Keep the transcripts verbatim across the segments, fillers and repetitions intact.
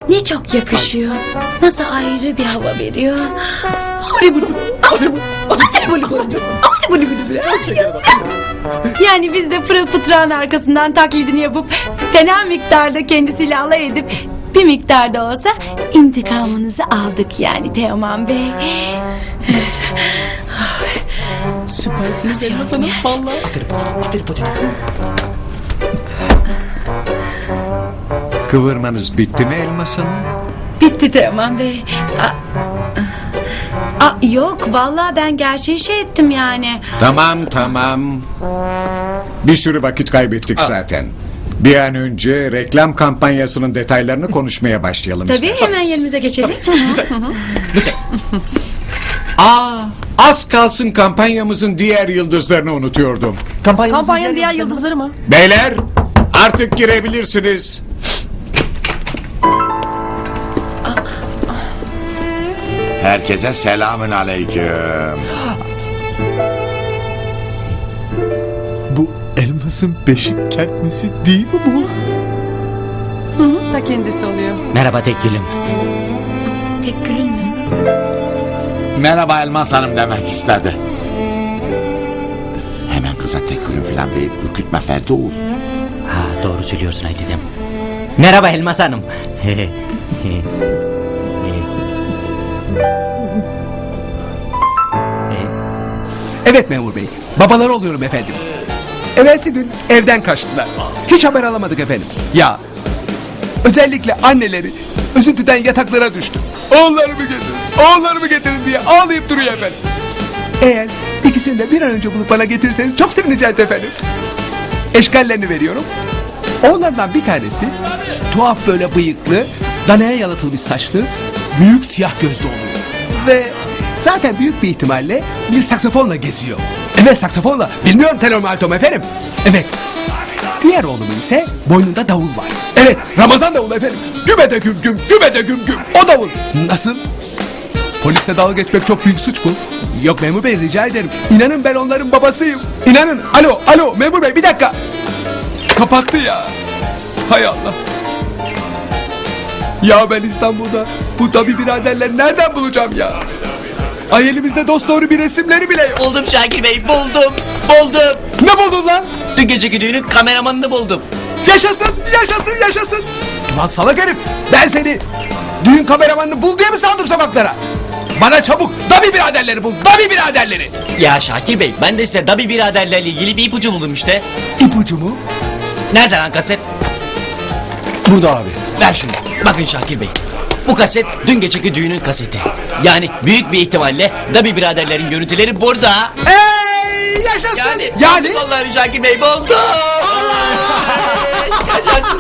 Ne çok yakışıyor. Nasıl ayrı bir hava veriyor. Yani biz de pırıl pıtrağın arkasından taklidini yapıp fena miktarda kendisiyle alay edip bir miktarda olsa intikamınızı aldık yani Teoman Bey. Süpersiniz Elmas Hanım. Vallahi. Kıvırmanız bitti mi Elmas Hanım? Bitti Teoman Bey. Aa, aa, yok vallahi ben gerçeği şey ettim yani. Tamam tamam. Bir sürü vakit kaybettik zaten. Bir an önce reklam kampanyasının detaylarını konuşmaya başlayalım. Tabii istersen. hemen yerimize geçelim. Aa, az kalsın kampanyamızın diğer yıldızlarını unutuyordum. Kampanyanın diğer yıldızları mı? Beyler, artık girebilirsiniz. Herkese selamün aleyküm. Bu elmasın beşik kertmesi değil mi bu? Ta kendisi oluyor. Merhaba Tekgül'üm. Tek gülün mü? Merhaba Elmas Hanım demek istedi. Hemen kıza tek gülüm falan deyip ürkütme Ferdoğul. Ha, doğru söylüyorsun Aydidem. Merhaba Elmas Hanım. Evet memur bey. Babaları oluyorum efendim. Evvelsi gün evden kaçtılar. Hiç haber alamadık efendim. Ya özellikle anneleri üzüntüden yataklara düştü. Oğullarımı getirin, oğullarımı getirin diye ağlayıp duruyor efendim. Eğer ikisini de bir an önce bulup bana getirirseniz çok sevineceğiz efendim. Eşkallerini veriyorum. Oğullarından bir tanesi tuhaf böyle bıyıklı, danaya yalıtılmış saçlı, büyük siyah gözlü oluyor. Ve zaten büyük bir ihtimalle bir saksafonla geziyor. Evet saksafonla. Bilmiyorum tenor mu alto mu efendim. Evet. Diğer oğlumun ise boynunda davul var. Evet Ramazan davulu efendim. Güme de güm güm, güme de güm güm. O davul. Nasıl? Polisle dalga geçmek çok büyük suç mu? Yok memur bey rica ederim. İnanın ben onların babasıyım. İnanın. Alo alo memur bey bir dakika. Kapattı ya. Hay Allah. Ya ben İstanbul'da bu tabi biraderleri nereden bulacağım ya? Ay elimizde dosdoğru bir resimleri bile yok. Buldum Şakir Bey, buldum, buldum. Ne buldun lan? Dün geceki düğünün kameramanını buldum. Yaşasın, yaşasın, yaşasın. Lan salak herif, ben seni düğün kameramanını bul diye mi saldım sokaklara? Bana çabuk Dabi biraderleri bul, Dabi biraderleri. Ya Şakir Bey, ben de size Dabi biraderlerle ilgili bir ipucu buldum işte. İpucu mu? Nerede lan kaset? Burada abi. Ver şunu. Bakın Şakir Bey, bu kaset dün geceki düğünün kaseti. Yani büyük bir ihtimalle Dabi biraderlerin görüntüleri burada. Ey yaşasın. Yani, Yani? bulduk vallahi Şakir Bey, buldum. Yaşasın.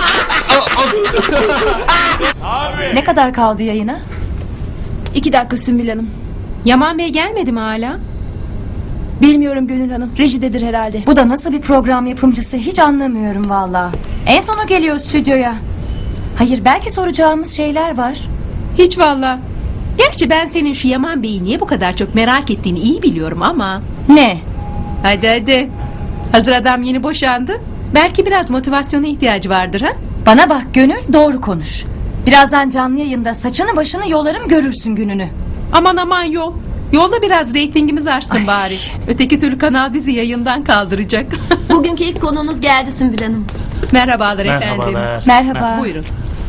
Ne kadar kaldı yayına? İki dakika Sümbül Hanım. Yaman Bey gelmedi mi hala? Bilmiyorum Gönül Hanım. Rejidedir herhalde. Bu da nasıl bir program yapımcısı hiç anlamıyorum valla. En sonu geliyor stüdyoya. Hayır belki soracağımız şeyler var. Hiç valla. Gerçi ben senin şu Yaman Bey'i niye bu kadar çok merak ettiğini iyi biliyorum ama. Ne? Hadi hadi. Hazır adam yeni boşandı. Belki biraz motivasyona ihtiyacı vardır ha? Bana bak Gönül doğru konuş. Birazdan canlı yayında saçını başını yolarım görürsün gününü. Aman aman yol. Yolda biraz reytingimiz artsın bari. Öteki türlü kanal bizi yayından kaldıracak. Bugünkü ilk konuğunuz geldi Sümbül Hanım. Merhabalar efendim. Merhaba. Buyurun.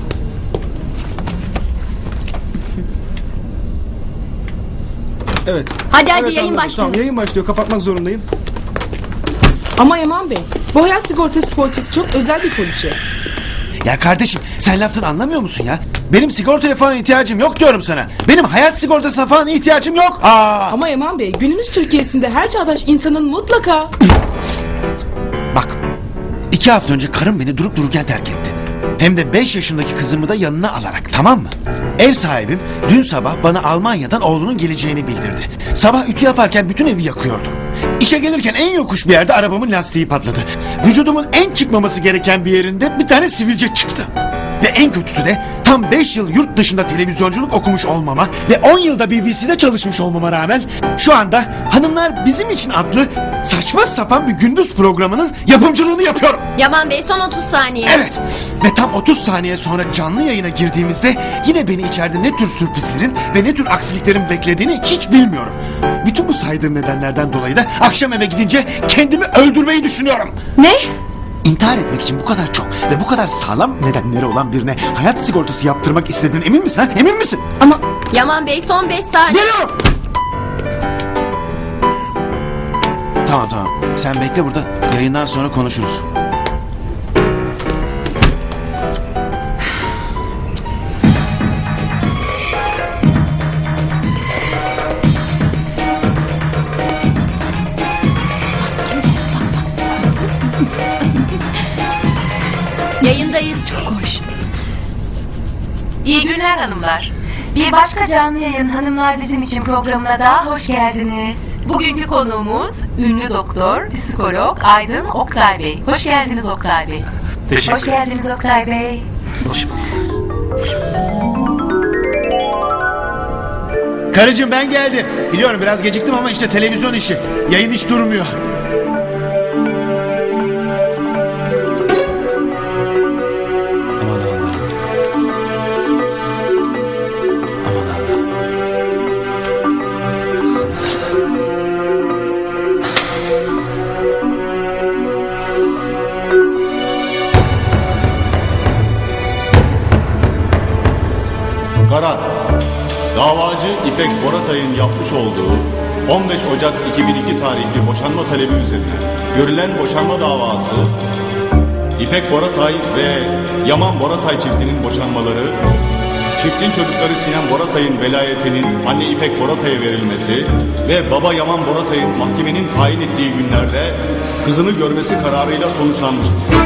Evet. Hadi hadi Evet, yayın anladım. başlıyor. Tamam, yayın başlıyor. Kapatmak zorundayım. Ama Yaman Bey, bu hayat sigortası poliçesi çok özel bir poliçe. Ya kardeşim sen laftan anlamıyor musun ya? Benim sigortaya falan ihtiyacım yok diyorum sana. Benim hayat sigortasına falan ihtiyacım yok. Aa! Ama Yaman Bey, günümüz Türkiye'sinde her çağdaş insanın mutlaka... Bak iki hafta önce karım beni durup dururken terk etti. Hem de beş yaşındaki kızımı da yanına alarak, tamam mı? Ev sahibim dün sabah bana Almanya'dan oğlunun geleceğini bildirdi. Sabah ütü yaparken bütün evi yakıyordum. İşe gelirken en yokuş bir yerde arabamın lastiği patladı. Vücudumun en çıkmaması gereken bir yerinde bir tane sivilce çıktı. Ve en kötüsü de tam beş yıl yurt dışında televizyonculuk okumuş olmama ve on yılda B B C'de çalışmış olmama rağmen şu anda Hanımlar Bizim için adlı saçma sapan bir gündüz programının yapımcılığını yapıyorum. Yaman Bey son otuz saniye. Evet ve tam otuz saniye sonra canlı yayına girdiğimizde yine beni içeride ne tür sürprizlerin ve ne tür aksiliklerin beklediğini hiç bilmiyorum. Bütün bu saydığım nedenlerden dolayı da akşam eve gidince kendimi öldürmeyi düşünüyorum. Ne? İntihar etmek için bu kadar çok ve bu kadar sağlam nedenleri olan birine hayat sigortası yaptırmak istediğine emin misin ha? Emin misin? Ama Yaman Bey son beş saniye. Geliyorum! Tamam tamam. Sen bekle burada. Yayından sonra konuşuruz. Yayındayız. Çok hoş. İyi günler hanımlar. Bir başka canlı yayın Hanımlar Bizim için programına daha hoş geldiniz. Bugünkü konuğumuz ünlü doktor, psikolog Aydın Oktay Bey. Hoş geldiniz Oktay Bey. Hoş geldiniz Oktay Bey. Karıcığım ben geldim. Biliyorum biraz geciktim ama işte televizyon işi. Yayın hiç durmuyor. Aman Allah'ım. Aman Allah'ım. Karar. Davacı İpek Boratay'ın yapmış olduğu on beş Ocak iki bin iki tarihli boşanma talebi üzerine görülen boşanma davası İpek Boratay ve Yaman Boratay çiftinin boşanmaları, çiftin çocukları Sinem Boratay'ın velayetinin anne İpek Boratay'a verilmesi ve baba Yaman Boratay'ın mahkemenin tayin ettiği günlerde kızını görmesi kararıyla sonuçlanmıştır.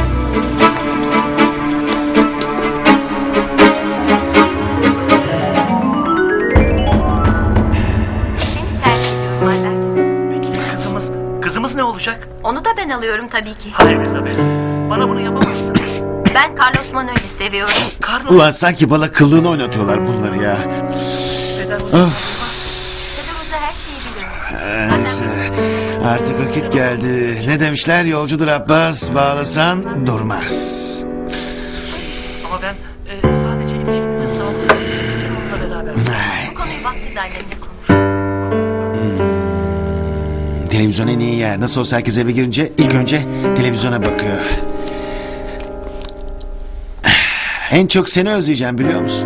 Kızımız, kızımız ne olacak? Onu da ben alıyorum tabii ki. Hayır Isabel. Bana bunu yapamazsın. Ben Carlos Manuel'i seviyorum. Carlos. Ulan sanki bana kıllığını oynatıyorlar bunları ya. Of. Kızımıza her şeyi biliyorum. Neyse. Artık vakit geldi. Ne demişler? Yolcudur Abbas, bağlasan durmaz. Ama ben e, sadece ilişkinizin sağlıklı onunla beraber. Ay. Bu konuyu vaktiz annemle konuş. Televizyon en iyi yer. Nasıl olsa herkes eve girince ilk önce televizyona bakıyor. En çok seni özleyeceğim biliyor musun?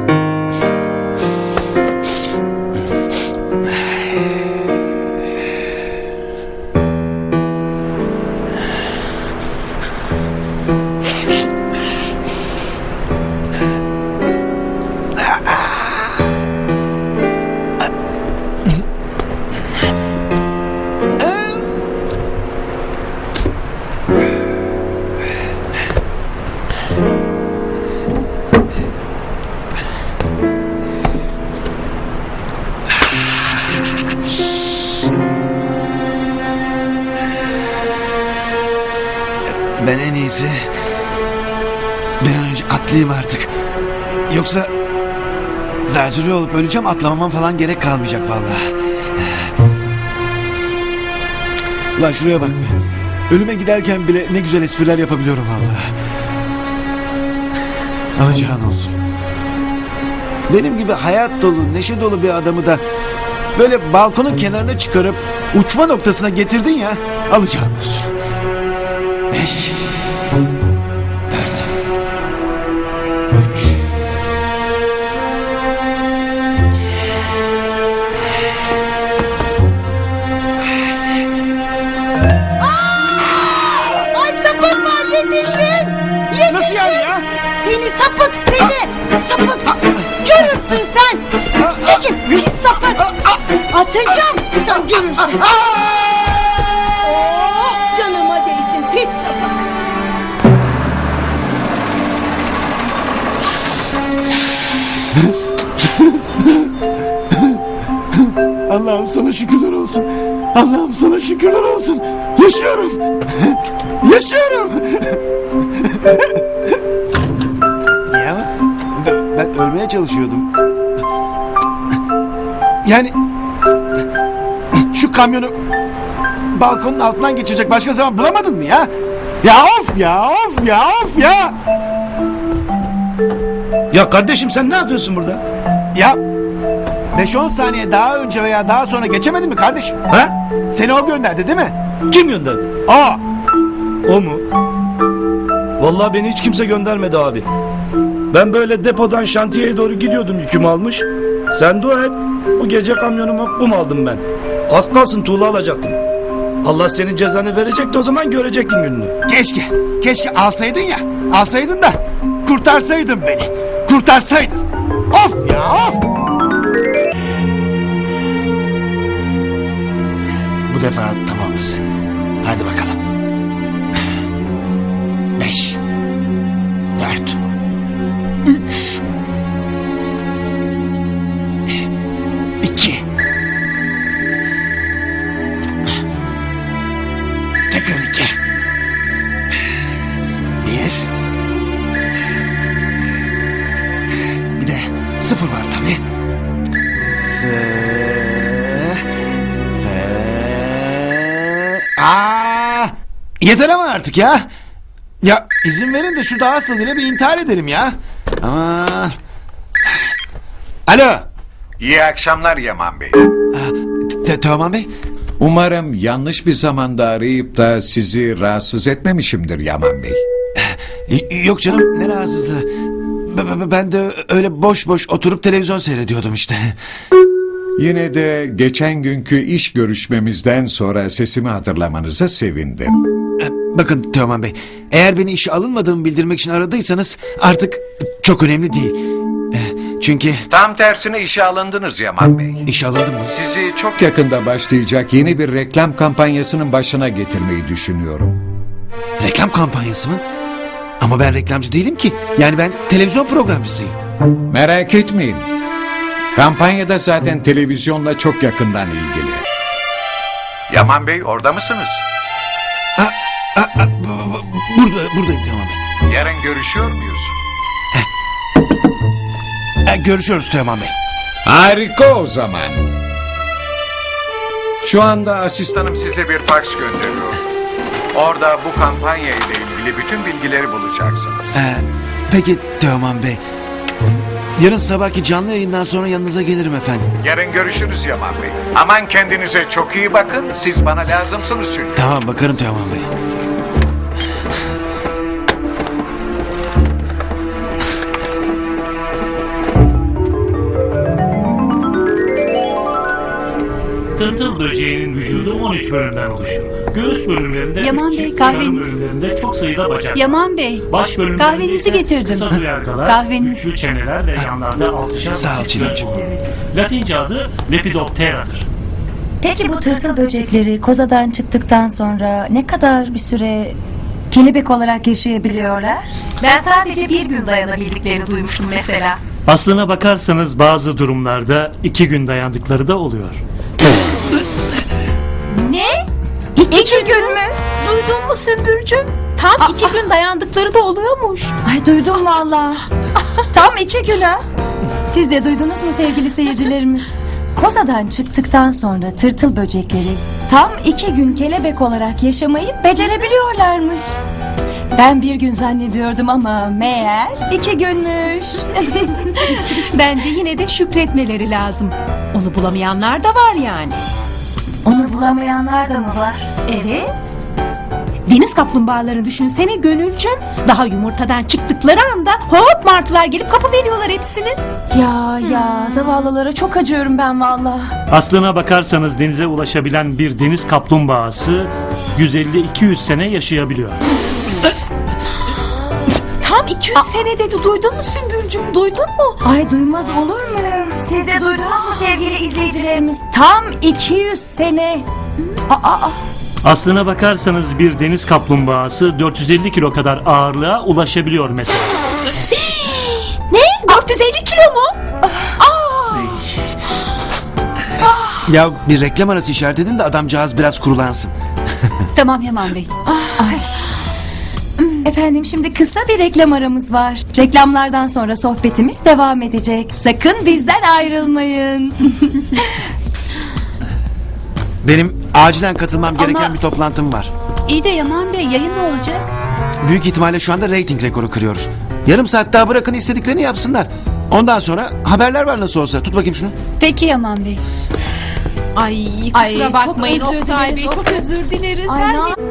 Ben en iyisi bir an önce atlayayım artık. Yoksa zatürre olup öleceğim, atlamamam falan gerek kalmayacak vallahi. Ulan şuraya bak be. Ölüme giderken bile ne güzel espriler yapabiliyorum vallahi. Alacağın olsun. Benim gibi hayat dolu, neşe dolu bir adamı da böyle balkonun kenarına çıkarıp uçma noktasına getirdin ya, alacağın olsun. Beş, dört, üç, ay sapık var yetişin. Yetişin. Nasıl yani ya? Seni sapık seni. Sapık. Görürsün sen. Çekil pis sapık. Atacağım sen görürsün. Oh, canıma değsin pis sapık. Allah'ım sana şükürler olsun. Allah'ım sana şükürler olsun. Yaşıyorum. Yaşıyorum. Ya ölmeye çalışıyordum. Yani şu kamyonu balkonun altından geçecek başka zaman bulamadın mı ya? Ya of ya of ya of ya. Ya kardeşim sen ne yapıyorsun burada? Ya beş on saniye daha önce veya daha sonra geçemedin mi kardeşim? Ha? Seni o gönderdi değil mi? Kim gönderdi? Aa. O mu? Vallahi beni hiç kimse göndermedi abi. Ben böyle depodan şantiyeye doğru gidiyordum yükümü almış. Sen dua et. Bu gece kamyonuma kum aldım ben. Az kalsın tuğla alacaktım. Allah senin cezanı verecekti, o zaman görecektin gününü. Keşke, keşke alsaydın ya. Alsaydın da kurtarsaydın beni. Kurtarsaydın. Of ya of. Bu defa tamamız. Hadi bakalım. Beş. Dört. Üç. İki. Tekrar iki. Bir. Bir de sıfır var tabii. Sıfır. Aa! Yeter ama artık ya. Ya izin verin de şu daha tadıyla bir intihar edelim ya. Aman. Alo. İyi akşamlar Yaman Bey. Te- Teoman Bey. Umarım yanlış bir zamanda arayıp da sizi rahatsız etmemişimdir Yaman Bey. Y- Yok canım, ne rahatsızlığı. B- b- Ben de öyle boş boş oturup televizyon seyrediyordum işte. Yine de geçen günkü iş görüşmemizden sonra sesimi hatırlamanıza sevindim. Bakın Teoman Bey, eğer beni işe alınmadığımı bildirmek için aradıysanız artık çok önemli değil. Eh, Çünkü Tam tersine işe alındınız Yaman Bey. işe alındım mı? Sizi çok yakında başlayacak yeni bir reklam kampanyasının başına getirmeyi düşünüyorum. Reklam kampanyası mı? Ama ben reklamcı değilim ki. Yani ben televizyon programcısıyım. Merak etmeyin. Kampanyada zaten televizyonla çok yakından ilgili. Yaman Bey orada mısınız? Ha, ha, ha, b- b- burada, buradayım Teoman Bey. Yarın görüşüyor muyuz? Ha, görüşüyoruz Teoman Bey. Harika o zaman. Şu anda asistanım size bir fax gönderiyor. Orada bu kampanya ile ilgili bütün bilgileri bulacaksınız. Ee, peki Teoman Bey. Yarın sabahki canlı yayından sonra yanınıza gelirim efendim. Yarın görüşürüz Yaman Bey. Aman kendinize çok iyi bakın. Siz bana lazımsınız çünkü. Tamam, bakarım Teoman Bey. Tırtıl böceğinin vücudu on üç bölümden oluşur. Göğüs bölümlerinde Yaman üç Bey, çift, karın kahveniz. bölümlerinde çok sayıda bacak. Yaman Bey, Baş bölümlerinde kahvenizi ise getirdim. kısa duyargalar, Kahveniz. güçlü çeneler ve yanlarda altışar Sağ ol basit Çiğdemciğim. göz bulunur. Latince adı Lepidoptera'dır. Peki bu tırtıl böcekleri kozadan çıktıktan sonra ne kadar bir süre kelebek olarak yaşayabiliyorlar? Ben sadece bir gün dayanabildiklerini duymuştum mesela. Aslına bakarsanız bazı durumlarda iki gün dayandıkları da oluyor. Ne? İki gün mü? Duydun mu Sümbülcüm? Tam iki gün dayandıkları da oluyormuş. Ay duydum valla. Tam iki gün ha. Siz de duydunuz mu sevgili seyircilerimiz? Kozadan çıktıktan sonra tırtıl böcekleri tam iki gün kelebek olarak yaşamayı becerebiliyorlarmış. Ben bir gün zannediyordum ama meğer iki günmüş. Bence yine de şükretmeleri lazım. Onu bulamayanlar da var yani. Onu bulamayanlar da mı var? Evet. Deniz kaplumbağalarını düşünsene Gönülcüm. Daha yumurtadan çıktıkları anda hop martılar gelip kapı veriyorlar hepsini. Ya ya zavallılara çok acıyorum ben valla. Aslına bakarsanız denize ulaşabilen bir deniz kaplumbağası yüz elli iki yüz sene yaşayabiliyor. Tam iki yüz senede de duydun mu Sümbülcüm? Duydun mu? Ay duymaz olur muyum? Siz de duydunuz mu sevgili izleyicilerimiz? Tam iki yüz sene. Aa, aa. Aslına bakarsanız bir deniz kaplumbağası dört yüz elli kilo kadar ağırlığa ulaşabiliyor mesela. Ne? dört yüz elli kilo mu? Ya bir reklam arası işaret edin de adamcağız biraz kurulansın. Tamam Yaman Bey. Ay. Efendim şimdi kısa bir reklam aramız var. Reklamlardan sonra sohbetimiz devam edecek. Sakın bizden ayrılmayın. Benim acilen katılmam gereken Ama- bir toplantım var. İyi de Yaman Bey yayın ne olacak? Büyük ihtimalle şu anda reyting rekoru kırıyoruz. Yarım saat daha bırakın istediklerini yapsınlar. Ondan sonra haberler var nasıl olsa. Tut bakayım şunu. Peki Yaman Bey. Ay kusura Ay, çok bakmayın özür Oktay dileriz, Bey çok Oktay. özür dileriz. Ay, Her ne- ne-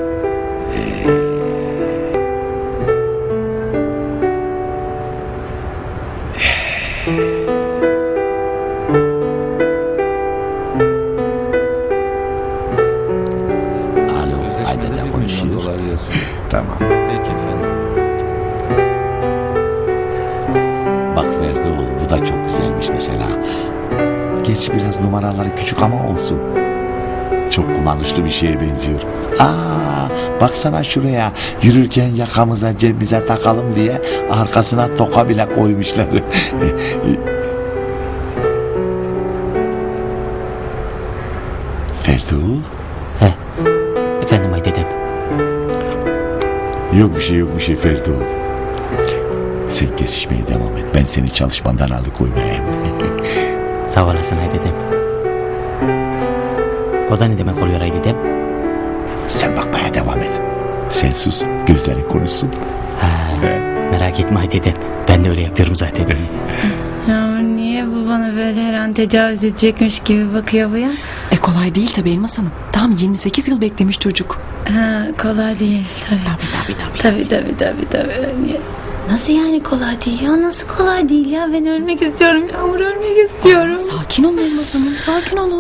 Alo, Ayden'le konuşuyor. Tamam. Peki efendim. Bak verdi oğlum, bu da çok güzelmiş mesela. Gerçi biraz numaraları küçük ama olsun. Çok kullanışlı bir şeye benziyor. Aa, baksana şuraya. Yürürken yakamıza cebimize takalım diye arkasına toka bile koymuşlar. Ferdoğul. Efendim ay dedem. Yok bir şey yok bir şey Ferdoğul. Sen kesişmeye devam et. Ben seni çalışmandan alıkoymayayım. Sağ olasın ay dedem. O da ne demek oluyor ay dedem? Sen bakmaya devam et. Sen sus, gözlerin konuşsun. Ha, merak etme ay dedem. Ben de öyle yapıyorum zaten. Yağmur niye bu bana böyle her an tecavüz edecekmiş gibi bakıyor bu ya? E kolay değil tabii Elmas Hanım. Tam yirmi sekiz yıl beklemiş çocuk. Ha, kolay değil tabii. Tabii tabii tabii. Tabii tabii tabii tabii. Ya- Nasıl yani kolay değil ya? Nasıl kolay değil ya? Ben ölmek istiyorum Yağmur, ölmek istiyorum. Sakin olun Elmas Hanım, sakin olun.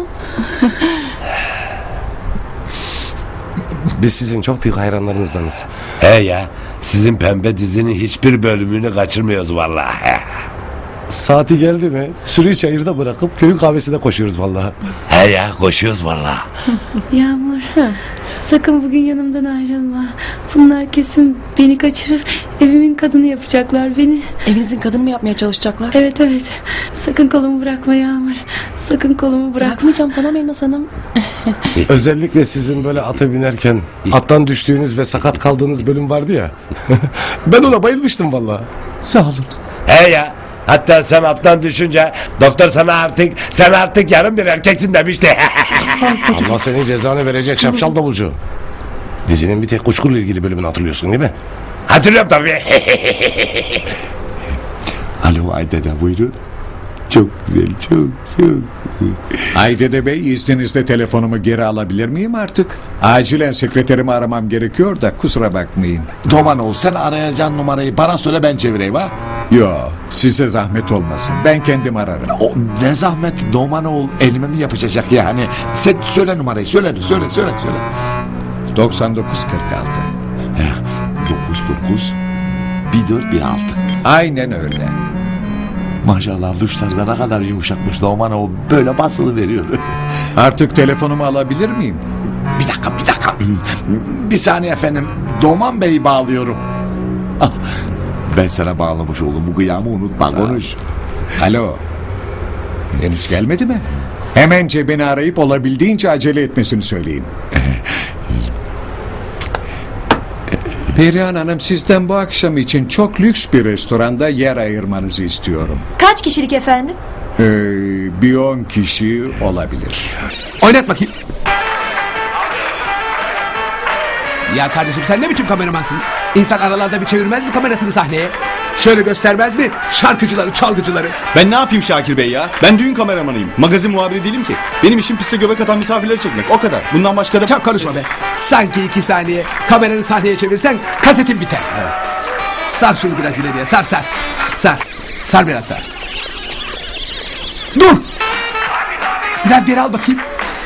Biz sizin çok büyük hayranlarınızdanız. He ya, sizin pembe dizinin hiçbir bölümünü kaçırmıyoruz vallahi. Saati geldi mi sürüyü çayırda bırakıp köyün kahvesine koşuyoruz vallahi. He ya, koşuyoruz vallahi. Yağmur, ha, sakın bugün yanımdan ayrılma. Bunlar kesin beni kaçırıp evimin kadını yapacaklar beni. Evinizin kadını mı yapmaya çalışacaklar? Evet evet. Sakın kolumu bırakma Yağmur. Sakın kolumu bırakma. Bırakmayacağım tamam Elmas Hanım. Özellikle sizin böyle ata binerken attan düştüğünüz ve sakat kaldığınız bölüm vardı ya. Ben ona bayılmıştım vallahi. Sağ olun. He ya, hatta sen attan düşünce doktor sana artık sen artık yarım bir erkeksin demişti. Allah senin cezanı verecek şapşal davulcu. Dizinin bir tek kuşkuyla ilgili bölümünü hatırlıyorsun değil mi? Hatırlıyorum tabii. Alo Ayden'e buyurun. Çok güzel, çok çok. Aydede Bey, izninizle telefonumu geri alabilir miyim artık? Acilen sekreterimi aramam gerekiyor da kusura bakmayın. Domanoğlu, sen arayacağın numarayı bana söyle, ben çevireyim ha. Yo, size zahmet olmasın. Ben kendim ararım. O ne zahmet Domanoğlu, elime mi yapışacak yani? Sen söyle numarayı, söyle söyle söyle söyle. doksan dokuz kırk altı. dokuz dokuz bir dört bir altı. Aynen öyle. Maşallah duşlarda ne kadar yumuşakmış Domanoğlu, böyle basılı veriyor. Artık telefonumu alabilir miyim? Bir dakika bir dakika. Bir saniye efendim. Doğman Bey'i bağlıyorum. Ah, ben sana bağlamış oğlum, bu kıyamı unutma, konuş. Alo. Henüz gelmedi mi? Hemen cebini arayıp olabildiğince acele etmesini söyleyin. Perihan Hanım, sizden bu akşam için çok lüks bir restoranda yer ayırmanızı istiyorum. Kaç kişilik efendim? Ee, bir on kişi olabilir. Oynat bakayım. Ya kardeşim sen ne biçim kameramansın? İnsan aralarda bir çevirmez mi kamerasını sahneye? Şöyle göstermez mi şarkıcıları, çalgıcıları? Ben ne yapayım Şakir Bey ya? Ben düğün kameramanıyım. Magazin muhabiri değilim ki. Benim işim piste göbek atan misafirleri çekmek. O kadar. Bundan başka da... Çok konuşma be. Sanki iki saniye kameranı sahneye çevirsen kasetin biter. Sar şunu biraz ileriye, sar sar. Sar. Sar biraz daha. Dur. Biraz geri al bakayım.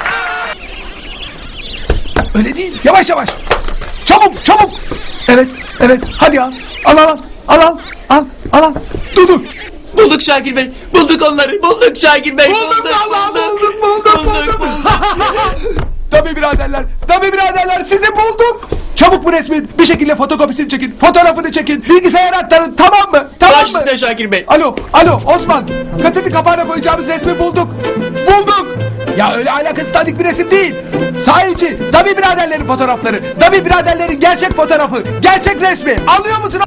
Öyle değil. Yavaş yavaş. Çabuk çabuk. Evet evet hadi al. Al al al. Al al al al al. Dur dur. Bulduk Şakir Bey. Bulduk onları. Bulduk Şakir Bey. Bulduk vallahi bulduk bulduk bulduk. Tabii biraderler. Tabii biraderler sizi bulduk. Çabuk bu resmin bir şekilde fotokopisini çekin. Fotoğrafını çekin. Bilgisayara aktarın, tamam mı? Tamam mı? Başüstüne Şakir Bey. Alo, alo Osman. Kaseti kapağına koyacağımız resmi bulduk. Bulduk. Ya öyle alakası tadik bir resim değil. Sahici, Dabi biraderlerin fotoğrafları. Dabi biraderlerin gerçek fotoğrafı. Gerçek resmi. Anlıyor musun?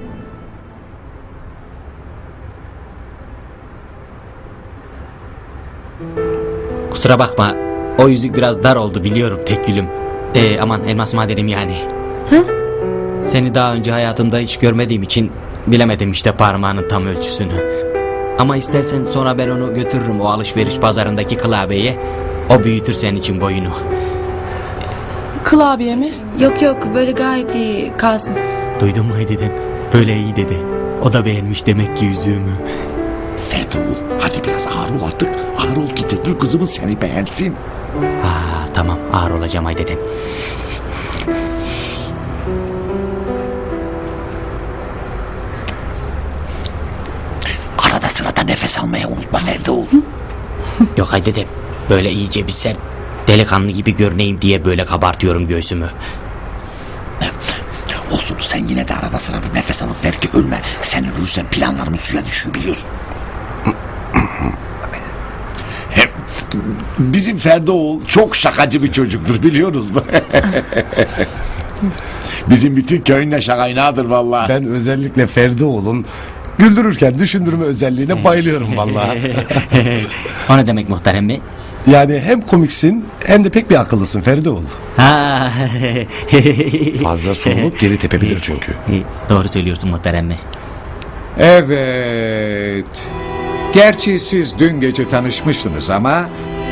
Kusura bakma. O yüzük biraz dar oldu biliyorum tek gülüm. Ee, aman elmas madenim yani. Hı? Seni daha önce hayatımda hiç görmediğim için bilemedim işte parmağının tam ölçüsünü. Ama istersen sonra ben onu götürürüm o alışveriş pazarındaki klavyeye. O büyütür senin için boyunu. Klavye mi? Yok yok böyle gayet iyi kalsın. Duydun mu dedim. Böyle iyi dedi. O da beğenmiş demek ki yüzüğümü. Ferdi ol. Hadi biraz ağır ol artık. Ağır ol ki Teknül kızımız seni beğensin. Ha tamam ağır olacağım ay dedem. Arada sırada nefes almayı unutma Ferdi ol. Yok ay dedem. Böyle iyice bir sert delikanlı gibi görüneyim diye böyle kabartıyorum göğsümü. Olsun sen yine de arada sırada nefes alıp ver ki ölme. Sen ölürsen planlarımız suya düşüyor biliyorsun. Bizim Ferdi oğul çok şakacı bir çocuktur biliyorsunuz mu? Bizim bütün köyün şakaynadır vallahi. Ben özellikle Ferdi oğlun güldürürken düşündürme özelliğine bayılıyorum vallahi. O ne demek muhterem mi? Yani hem komiksin hem de pek bir akıllısın Ferdi oğul. Ha. Fazla sorulup geri tepebilir çünkü. Doğru söylüyorsun muhterem mi? Evet. Gerçi siz dün gece tanışmıştınız ama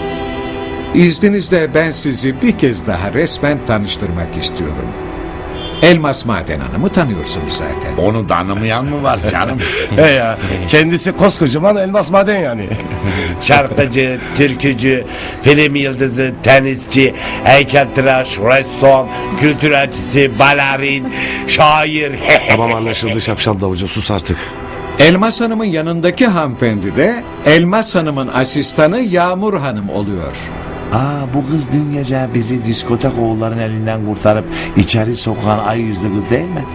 izninizle ben sizi bir kez daha resmen tanıştırmak istiyorum. Elmas Maden Hanım'ı tanıyorsunuz zaten. Onu tanımayan mı var canım? He ya, kendisi koskocaman elmas maden yani. Şarkıcı, türkücü, film yıldızı, tenisçi, heykeltıraş, ressam, kültür elçisi, balerin, şair. Tamam anlaşıldı şapşal davulcu, sus artık. Elmas Hanım'ın yanındaki hanımefendi de Elmas Hanım'ın asistanı Yağmur Hanım oluyor. Aa, bu kız dün gece bizi diskotek oğulların elinden kurtarıp içeri sokan ay yüzlü kız değil mi?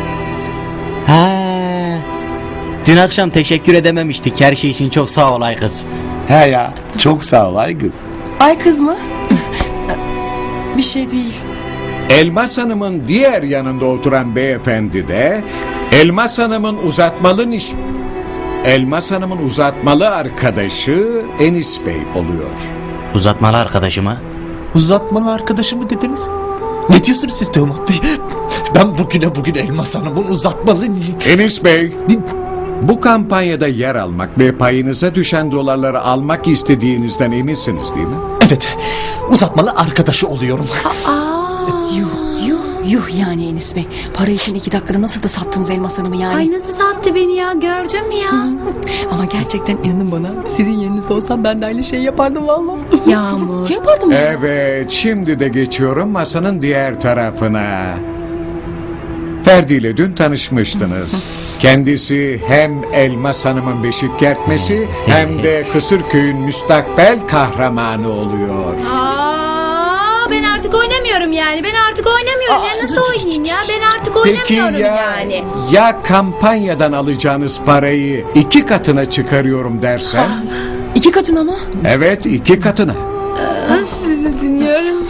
Ha. Dün akşam teşekkür edememiştik her şey için çok sağ ol ay kız. He ya, çok sağ ol ay kız. Ay kız mı? Bir şey değil. Elmas Hanım'ın diğer yanında oturan beyefendi de Elmas Hanım'ın uzatmalı niş... Elmas Hanım'ın uzatmalı arkadaşı Enis Bey oluyor. Uzatmalı arkadaşıma. Uzatmalı arkadaşımı dediniz? Ne diyorsunuz siz Teoman Bey? Ben bugüne bugün Elmas Hanım'ın uzatmalı... Enis Bey, bu kampanyada yer almak ve payınıza düşen dolarları almak istediğinizden eminsiniz değil mi? Evet, uzatmalı arkadaşı oluyorum. Yuh yuh yuh yani Enis Bey. Para için iki dakikada nasıl da sattınız Elmas Hanım'ı yani. Ay nasıl sattı beni ya gördün mü ya? Ama gerçekten inanın bana sizin yerinizde olsam ben de aynı şeyi yapardım valla. Yağmur. Yapardım ya. Evet, şimdi de geçiyorum masanın diğer tarafına. Ferdi ile dün tanışmıştınız. Kendisi hem Elmas Hanım'ın beşik kertmesi hem de Kısırköy'ün müstakbel kahramanı oluyor. Aa, ben artık oynamıyorum yani. Ben artık oynamıyorum. Ya nasıl oynayayım ya? Ben artık Peki oynamıyorum ya, yani. ya kampanyadan alacağınız parayı iki katına çıkarıyorum dersen? İki katına mı? Evet, iki katına. Aa, sizi dinliyorum.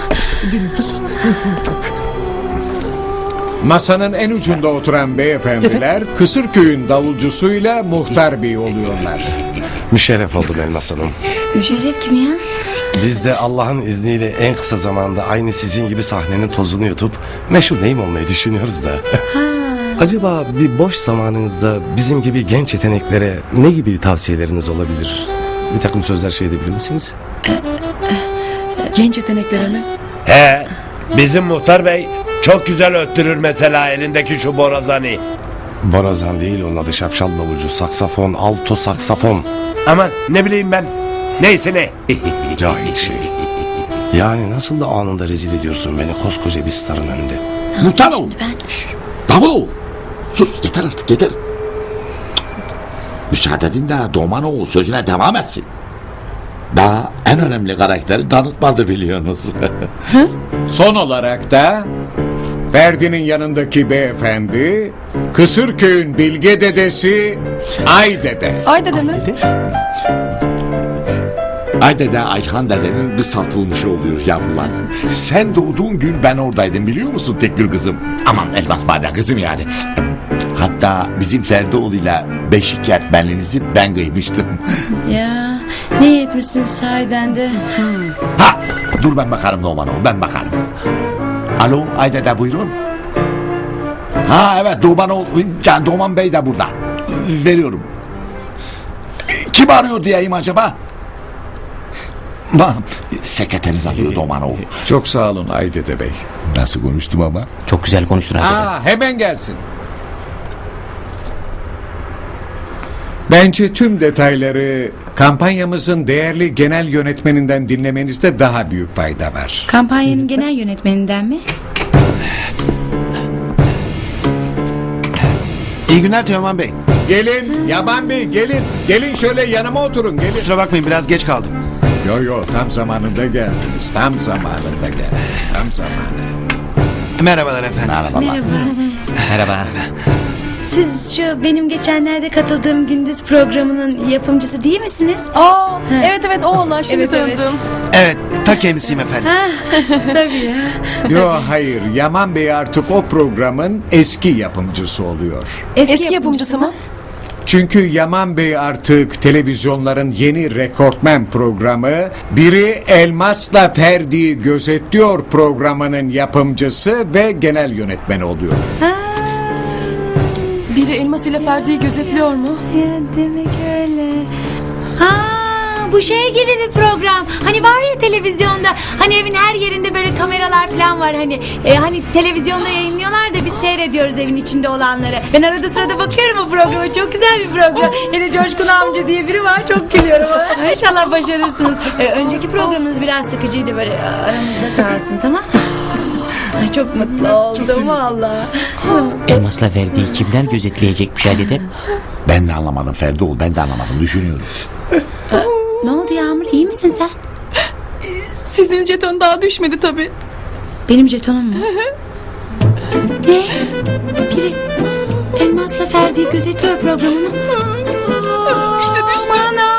Masanın en ucunda oturan beyefendiler Kısırköy'ün davulcusuyla Muhtar Bey oluyorlar. Müşerref oldum Elmas Hanım. Müşerref kim ya? Biz de Allah'ın izniyle en kısa zamanda aynı sizin gibi sahnenin tozunu yutup meşhur neyim olmayı düşünüyoruz da. Acaba bir boş zamanınızda bizim gibi genç yeteneklere ne gibi tavsiyeleriniz olabilir? Bir takım sözler şey edebilir misiniz? Genç yeteneklere mi? He, bizim muhtar bey çok güzel öttürür mesela elindeki şu borazanı. Borazan değil, onun adı şapşal davulcu. Saksafon, alto saksafon. Aman ne bileyim ben. Neyse ne. Cahil şey. Yani nasıl da anında rezil ediyorsun beni koskoca bir starın önünde. Muhtar ol. Davul. Sus, yeter artık yeter. Müsaade edin de Doğman oğul sözüne devam etsin. Daha en önemli karakteri tanıtmadı biliyorsunuz. Son olarak da Ferdi'nin yanındaki beyefendi Kısırköy'ün bilge dedesi Ay Dede. Ay dede mi? Ayda da Ayhan dedenin kısaltılmışı oluyor yavrular. Sen doğduğun gün ben oradaydım biliyor musun Tekgül kızım? Aman Elmas Bade kızım yani. Hatta bizim Ferdoğlu'yla beşik öğretmenliğinizi ben kıymıştım. Ya ne etmişsin sahiden de. Ha, dur ben bakarım Numan'a, ben bakarım. Alo Ayda da buyurun. Ha evet Doğman, Can Doğman Bey de burada. Veriyorum. Kim arıyor diyeyim acaba? Bak, sekreteriniz arıyor Doğmanoğlu. Çok sağ olun Aydede Bey. Nasıl konuştum ama? Çok güzel konuştun Aydede. Aa, hemen gelsin. Bence tüm detayları kampanyamızın değerli genel yönetmeninden dinlemenizde daha büyük fayda var. Kampanyanın genel yönetmeninden mi? İyi günler Teoman Bey. Gelin Yaman Bey gelin. Gelin şöyle yanıma oturun gelin. Kusura bakmayın biraz geç kaldım. Yo yo tam zamanında geldiniz. Tam zamanında geldiniz. Tam zamanı. Merhabalar efendim. Merhabalar. Merhaba. Siz şu benim geçenlerde katıldığım Gündüz programının yapımcısı değil misiniz? Aa, evet evet o Allah şimdi Evet, evet. tanıdım. Evet ta kendisiyim efendim. Tabii ya. Yo hayır Yaman Bey artık o programın eski yapımcısı oluyor. Eski, yapımcısı mı? Çünkü Yaman Bey artık televizyonların yeni rekortmen programı Biri Elmas'la Ferdi'yi Gözetliyor programının yapımcısı ve genel yönetmeni oluyor. Biri Elmas ile Ferdi'yi gözetliyor mu? Ya demek öyle. Ha, bu şey gibi bir program. Hani var ya televizyonda, hani evin her yerinde böyle kameralar falan var hani. E, hani televizyonda yayınlıyorlar da biz seyrediyoruz evin içinde olanları. Ben arada sırada bakıyorum o programa. Çok güzel bir program. Hele Coşkun amca diye biri var. Çok gülüyorum. İnşallah başarırsınız. E, önceki programınız biraz sıkıcıydı böyle aramızda kalsın tamam mı? Ay, çok mutlu oldum valla. Elmas'la Ferdi'yi kimler gözetleyecekmiş Aydede? Ben de anlamadım Ferdoğlu, ben de anlamadım. Düşünüyorum. Ne oldu Yağmur? İyi misin sen? Sizin jeton daha düşmedi tabii. Benim jetonum mu? Ne? Biri Elmas'la Ferdi'yi gözetliyor programını. İşte düştü. Aman